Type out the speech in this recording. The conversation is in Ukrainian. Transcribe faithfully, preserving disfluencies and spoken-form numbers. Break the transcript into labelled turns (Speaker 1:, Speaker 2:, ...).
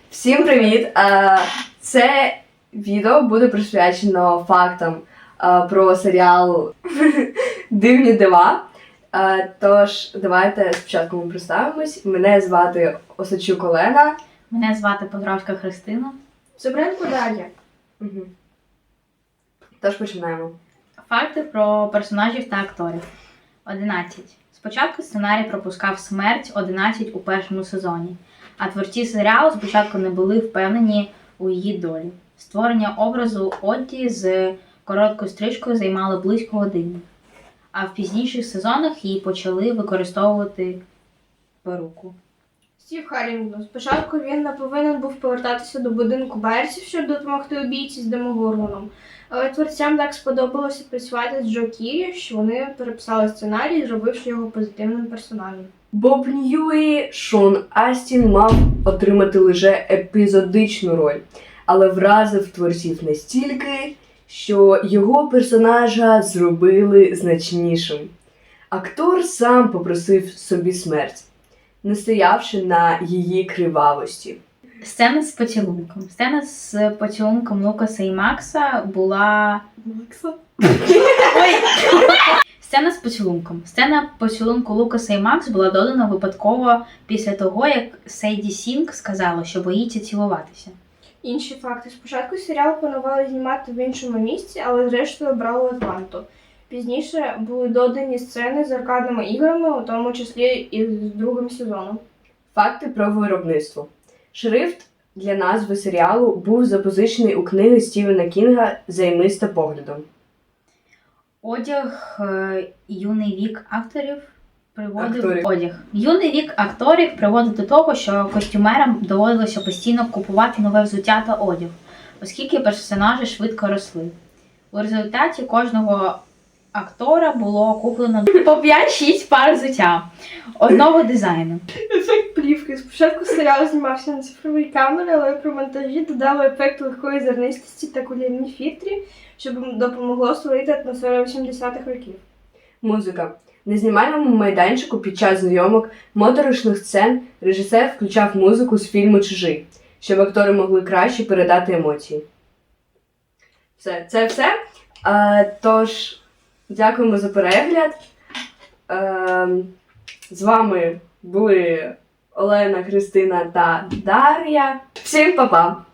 Speaker 1: Всім привіт! Це відео буде присвячено фактам про серіал Дивні дива. Тож, давайте спочатку ми представимось. Мене звати Осадчук Олена.
Speaker 2: Мене звати Подравська Христина.
Speaker 3: Собренко Дар'я.
Speaker 1: Угу. Тож починаємо.
Speaker 2: Факти про персонажів та акторів. одинадцять. Спочатку сценарій пропускав смерть одинадцять у першому сезоні, а творці серіалу спочатку не були впевнені у її долі. Створення образу Одді з короткою стрижкою займало близько години, а в пізніших сезонах її почали використовувати перуку.
Speaker 3: Стів Харрінгтон. Спочатку він не повинен був повертатися до будинку Берсів, щоб допомогти убійці з Демогоргоном. Але творцям так сподобалося працювати з Джо Кірі, що вони переписали сценарій, зробивши його позитивним персонажем.
Speaker 1: Боб Ньюї Шон Астін мав отримати лише епізодичну роль, але вразив творців настільки, що його персонажа зробили значнішим. Актор сам попросив собі смерть, настоявши на її кривавості.
Speaker 2: Сцена з поцілунком. Сцена з поцілунком Лукаса і Макса була...
Speaker 3: Макса?
Speaker 2: Ой! Сцена з поцілунком. Сцена поцілунку Лукаса і Макс була додана випадково після того, як Сейді Сінг сказала, що боїться цілуватися.
Speaker 3: Інші факти. Спочатку серіал планували знімати в іншому місці, але зрештою обрали Атланту. Пізніше були додані сцени з аркадними іграми, у тому числі і з другим сезоном.
Speaker 1: Факти про виробництво. Шрифт для назви серіалу був запозичений у книги Стівена Кінга «Займиста поглядом».
Speaker 2: Одяг е, юний вік акторів приводив
Speaker 1: Акторів.
Speaker 2: одяг. Юний вік акторів приводив до того, що костюмерам доводилося постійно купувати нове взуття та одяг, оскільки персонажі швидко росли. У результаті кожного актора було куплено по п'ять-шість пар взуття одного дизайну.
Speaker 3: Ефект плівки. Спочатку серіал знімався на цифровій камері, але при монтажі додали ефект легкої зернистості та кулірні фільтрі, щоб допомогло створити атмосферу вісімдесятих років.
Speaker 1: Музика. На знімальному майданчику під час зйомок моторошних сцен режисер включав музику з фільму «Чужий», щоб актори могли краще передати емоції. Все, це все. А, тож, дякуємо за перегляд. А, з вами були Олена, Христина та Дар'я. Всім па-па!